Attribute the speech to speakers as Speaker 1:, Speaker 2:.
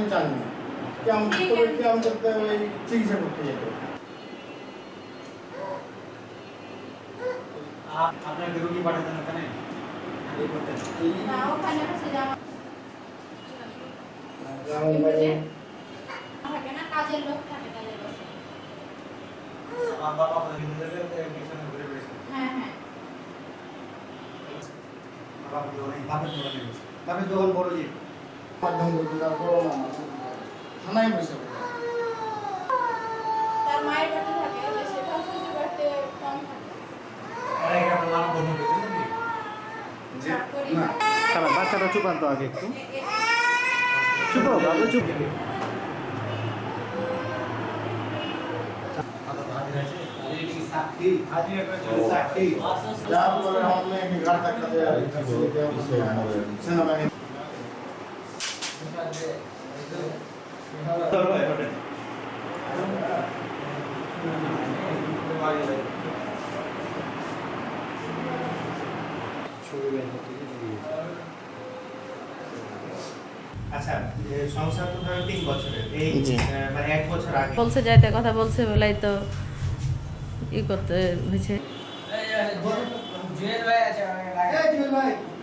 Speaker 1: চাননি, কেমন করতে ওই চিকিৎসা করতে যেত।
Speaker 2: আপনাকে রুগী পাঠাতেন ওখানে
Speaker 3: না ওখানে হচ্ছে যে থাকে না, কাজের লোক থাকে কাজের বসে।
Speaker 2: বাবা আপনাদের ভিতরে মিশনে ঘুরে বেড়েছে।
Speaker 3: হ্যাঁ হ্যাঁ
Speaker 2: বাপের দোকান বড় যে
Speaker 1: থানায় বসে
Speaker 3: তার মায়ের বাড়ি থাকে, সেটা শ্বশুর বাড়িতে কম থাকে।
Speaker 2: আরে আপনার নাম বন্ধ করেছেন নাকি
Speaker 1: যে
Speaker 3: করি
Speaker 1: না
Speaker 4: খারাপ বাচ্চাটা চুপান তো আগে একটু চুপো বাবু চুপ
Speaker 2: সাক্ষী আজি একটা সাক্ষী
Speaker 1: যা বলে हमने घर तक का सेनाबाहिनी
Speaker 2: আচ্ছা সংসার তো ধরেন 3 বছরের এই মানে 1 বছর আগে
Speaker 5: বলছে যাইতে কথা বলছে বলাই তো ই করতে হয়েছে
Speaker 2: জুয়েল ভাই আছে